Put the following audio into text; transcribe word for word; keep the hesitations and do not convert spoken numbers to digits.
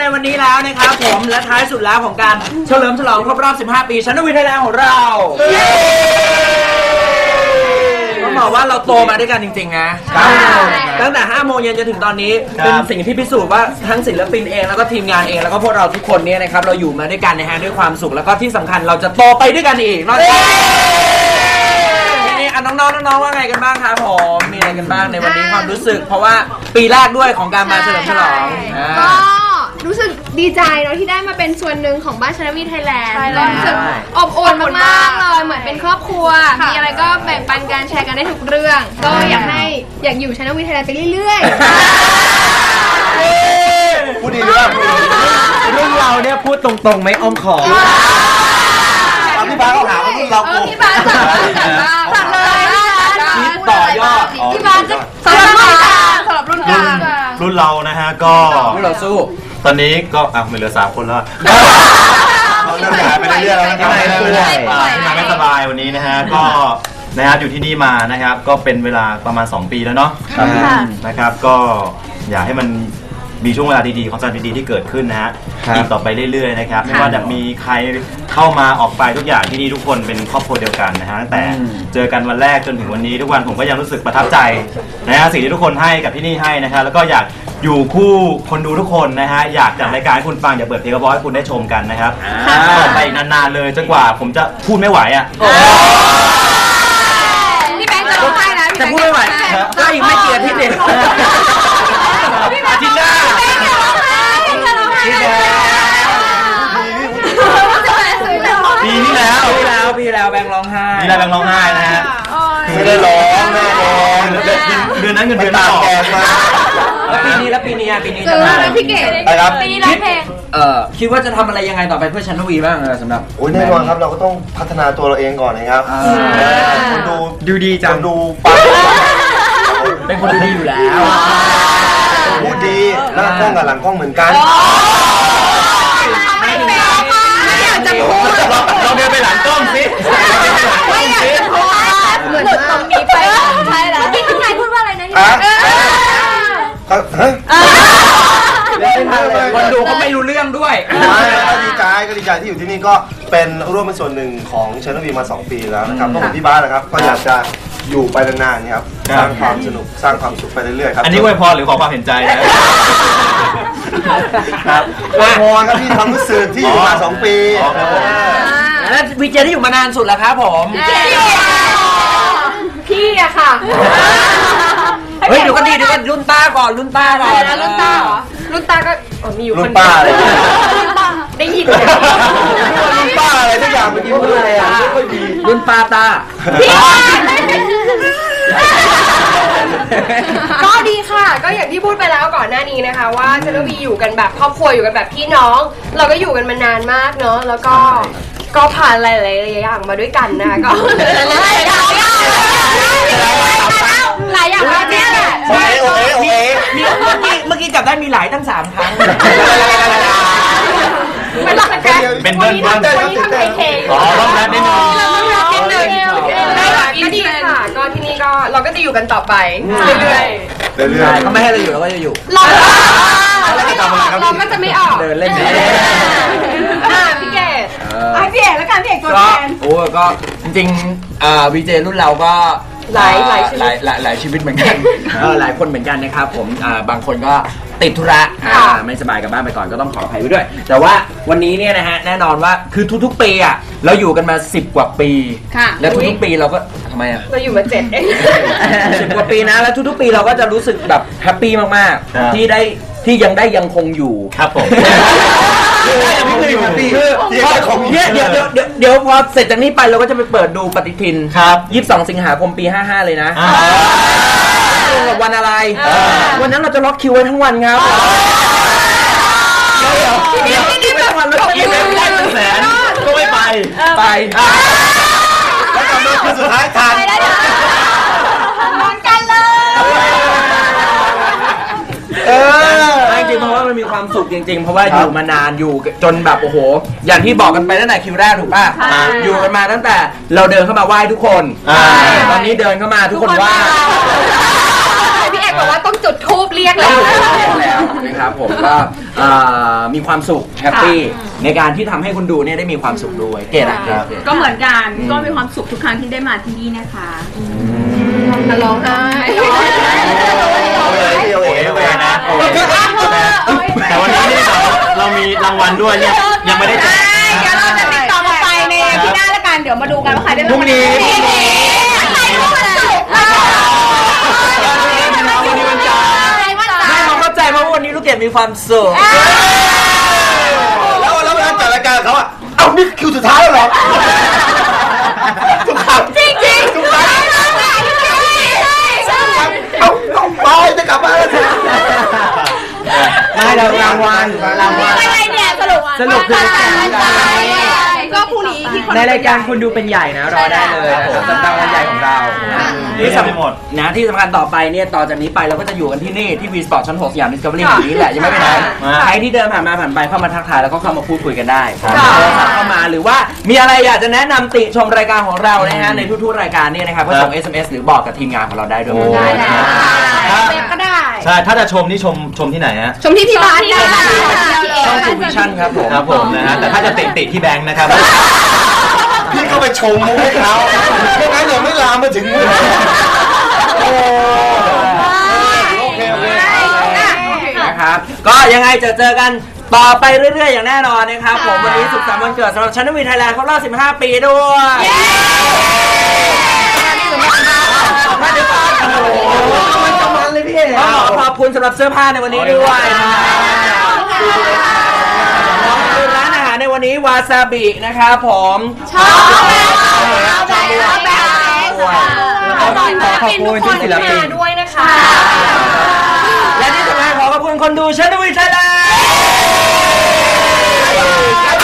ในวันนี้แล้วนะครับผมและท้ายสุดแล้วของการเฉลิมฉลองครบรอบสิบห้าปีชั้นวิทยาลัยของเราต้องบอกว่าเราโตมาด้วยกันจริงๆนะตั้งแต่ห้าโมงเย็นจนถึงตอนนี้เป็นสิ่งที่พิสูจน์ว่าทั้งศิลปินเองแล้วก็ทีมงานเองแล้วก็พวกเราทุกคนเนี่ยนะครับเราอยู่มาด้วยกันนะฮะด้วยความสุขแล้วก็ที่สำคัญเราจะโตไปด้วยกันอีกนอกจากน้องๆน้องๆว่าไงกันบ้างครับผมมีอะไรกันบ้างในวันนี้ความรู้สึกเพราะว่าปีแรกด้วยของการมาเฉลิมฉลองก็รู้สึกดีใจเนาะที่ได้มาเป็นส่วนหนึ่งของบ้านชนวีไทยแลนด์ก็รู้สึกอบอุ่นมากๆเลยเหมือนเป็นครอบครัวมีอะไรก็แบ่งปันกันแชร์กันได้ทุกเรื่องก็อยากให้อยากอยู่ชนวีไทยแลนด์ไปเรื่อยๆพูดดีด้วยรุ่นเราเนี่ยพูดตรงๆไม่อ้อมขอมพี่บ้าเขาถามว่ารุ่นเราโกงพี่บ้าจัดจัดเลยนี่ต่อยอดพี่บ้าจะสำหรับรุ่นกลางสำหรับรุ่นกลางรุ่นเรานะฮะก็รุ่นเราสู้ตอนนี้ก็อ่ะไม่เหลือสามคนแล้วเราเริ่มหายไปเรื่อยๆแล้วนะครับที่มาไม่สบายวันนี้นะฮะก็นะครับอยู่ที่นี่มานะครับก็เป็นเวลาประมาณสองปีแล้วเนาะนะครับก็อยากให้มันมีช่วงเวลาดีๆของสารดีๆที่เกิดขึ้นนะฮะอีกต่อไปเรื่อยๆนะครับไม่ว่าจะมีใครเข้ามาออกไปทุกอย่างที่นี่ทุกคนเป็นครอบครัวเดียวกันนะฮะตั้งแต่เจอกันวันแรกจนถึงวันนี้ทุกวันผมก็ยังรู้สึกประทับใจนะฮะสิ่งที่ทุกคนให้กับที่นี่ให้นะครับแล้วก็อยากอยู่คู่คนดูทุกคนนะฮะอยากจัดรายการให้คุณฟังอยากเปิดเพลงกระบอกให้คุณได้ชมกันนะครับต่อไปนานๆเลยจนกว่าผมจะพูดไม่ไหวอ่ะพี่แบงค์จะร้องไห้นะจะพูดไม่ไหวก็อีกไม่เกียรติที่เด็กจินดาปีที่แล้วปีแล้วปีแล้วแบงค์ร้องไห้ปีแล้วแบงค์ร้องไห้นะฮะไม่ได้ร้องแม่ร้องเดือนนั้นเงินเดือนตามแกมาแล้วปีนี้แล้วปีนี้ปีนี้จะมาพี่เก๋ปีนี้ร้องเพลงเออคิดว่าจะทำอะไรยังไงต่อไปเพื่อชันวีบ้างสำหรับโอ้ยแน่นอนครับเราก็ต้องพัฒนาตัวเราเองก่อนนะครับคนดูดูดีจังดูปังเป็นคนดูดีอยู่แล้วพูดดีหน้ากล้องกับหลังกล้องเหมือนกันไม่อยากจะพูดเราเดินไปหลังกล้องสิไม่อยากจะพูดเหมือนตรงนี้ไปใช่แล้วพี่คุณนายพูดว่าอะไรนะนี่คนดูเขาไม่รู้เรื่องด้วยก็ดีใจก็ดีใจที่อยู่ที่นี่ก็เป็นร่วมเป็นส่วนหนึ่งของเชนวีมาสองปีแล้วนะครับก็เหมือนพี่บ้านนะครับก็อยากจะอยู่ไปนานๆครับสร้างความสนุกสร้างความสุขไปเรื่อยๆครับอันนี้อวยพรหรือขอความเห็นใจนะครับอวยพรครับที่ความรู้สึกที่อยู่มาสองปีแล้ววีเจที่อยู่มานานสุดแล้วครับผมพี่อะค่ะเฮ้ยเดี๋ยวก็ดีเดี๋ยวก็รุ่นต้าก่อนรุ่นต้าก่อนรุ่นต้าเหรอรุ่นต้าก็มีอยู่คนเดียวได้ยินรุ่นป้าอะไรทุกอย่างเมื่อกี้พูดอะไรอ่ะไม่ค่อยดีรุ่นป้าตาก็ดีค่ะก็อย่างที่พูดไปแล้วก่อนหน้านี้นะคะว่าเชนวีอยู่กันแบบครอบครัวอยู่กันแบบพี่น้องเราก็อยู่กันมานานมากเนาะแล้วก็ก็ผ่านหลายๆอย่างมาด้วยกันนะก็หลายอย่างหลายอย่างมากเนี่ยแหละโอเคโอเคโอเคเมื่อกี้เมื่อกี้จับได้มีหลายตั้งสามครั้งเป็นหลักการเป็นเบิ้ลเบิ้ลวันนี้ทำไทยเทอ๋อต้องแรปนิดนึงนิดนึงก็ดีค่ะก็ที่นี่ก็เราก็จะอยู่กันต่อไปเรื่อยๆเรื่อยๆเขาไม่ให้เราอยู่เราก็จะอยู่เราเราก็จะไม่ออกเดินเล่นพี่เกดพี่เอกแล้วกันพี่เอกตัวแทนโอ้ก็จริงๆวีเจรุ่นเราก็หลายหลายหลายหลายหลายชีวิตเหมือนกันหลายคนเหมือนกันนะครับผมบางคนก็ติดธุระไม่สบายกับบ้านไปก่อนก็ต้องขออภัยไว้ด้วยแต่ว่าวันนี้เนี่ยนะฮะแน่นอนว่าคือทุกๆปีอ่ะเราอยู่กันมาสิบกว่าปีแล้วทุกๆปีเราก็ทำไมอ่ะเราอยู่มาเจ็ดเองสิบกว่าปีนะแล้วทุกๆปีเราก็จะรู้สึกแบบแฮปปี้มากๆที่ได้ที่ยังได้ยังคงอยู่ครับผมเนี่ยเดี๋ยวเดี๋ยวเดี๋ยวเดี๋ยวพอเสร็จจากนี้ไปเราก็จะไปเปิดดูปฏิทินครับยี่สิบสองสิงหาคมปีห้าห้าเลยนะวันอะไรวันนั้นเราจะล็อกคิวไว้ทั้งวันครับเดี๋ยวเดี๋ยวเดี๋ยววันล็อกคิวไม่ได้เป็นแสนก็ไม่ไปไปแล้วกำหนดคือสุดท้ายทันนอนกันเลยเออจริงเพราะว่ามันมีความสุขจริงๆเพราะว่าอยู่มานานอยู่จนแบบโอ้โหอย่างที่บอกกันไปตั้งแต่คิวแรกถูกป่ะอยู่กันมาตั้งแต่เราเดินเข้ามาไหว้ทุกคนตอนนี้เดินเข้ามาทุกคนไหว้พี่เอกบอกว่าต้องจุดธูปเรียกแล้วแล้วนะครับผมก็เอ่อมีความสุขแฮปปี้ในการที่ทำให้คุณดูเนี่ยได้มีความสุขด้วยเกดอะเกดเกดก็เหมือนกันก็มีความสุขทุกครั้งที่ได้มาที่นี่นะคะร้องไห้เลยโอเคโอเคนะแต่วันนี้นี่เราเรามีรางวัลด้วยเนี่ยยังไม่ได้แจกเดี๋ยวเราจะติดต่อมาไปในที่หน้าละกันเดี๋ยวมาดูกันว่าใครได้พรุ่งนี้ ไม่เขาเข้าใจเพราะวันนี้ลูกเกดมีความสุขแล้วแล้วเวลาจัดรายการเขาอ่ะเอ้านี่คิวสุดท้ายแล้วเหรอทุกครั้งจริงจริงทุกครั้งเอ้าต้องไปจะกลับบ้านแล้วไม่เรารางวัลรางวัลอะไรเนี่ยสรุปสรุปคือก็พรุ่งนี้ที่คนในรายการคนดูเป็นใหญ่นะรอได้เลยนะครับสำหรับวันใหญ่ของเรานี่ทำไม่หมดนะที่สำคัญต่อไปเนี่ยต่อจากนี้ไปเราก็จะอยู่กันที่นี่ที่ V Sport ชั้นหกสยาม Discovery แห่งนี้แหละยังไม่ไปไหนใครที่เดินผ่านมาผ่านไปเข้ามาทักทายแล้วก็เข้ามาพูดคุยกันได้โทรศัพท์เข้ามาหรือว่ามีอะไรอยากจะแนะนำติชมรายการของเรานะฮะในทุกๆรายการเนี่ยนะครับก็ส่ง เอส เอ็ม เอส หรือบอกกับทีมงานของเราได้ด้วยได้แล้วก็ได้ใช่ ถ้าจะชมนี่ชมชมที่ไหนฮะชมที่พี่บ้านได้ช่องทูวิชั่นครับผมครับผมนะฮะ แต่ถ้าจะติติที่แบงค์นะครับ พี่ก็ไปชมมุกให้เขาไม่งั้นเดี๋ยวไม่ลามมาถึงมุกโอ้โอเคโอเคนะครับก็ยังไงจะเจอกันต่อไปเรื่อยๆอย่างแน่นอนนะครับผมวันนี้สุขสันต์วันเกิดสำหรับชั้นวีไทยแลนด์ครบรอบสิบห้าปีด้วยมาเดี๋ยวก่อนโอ้โหมันจะมันเลยพี่ขอบคุณสำหรับเสื้อผ้าในวันนี้ด้วยคือร้านอาหารในวันนี้วาซาบินะครับผมชอบชอบแบบขอบคุณที่ศิลปินด้วยนะคะและที่สำคัญขอขอบคุณคนดูชั้นวีไทยแลนด์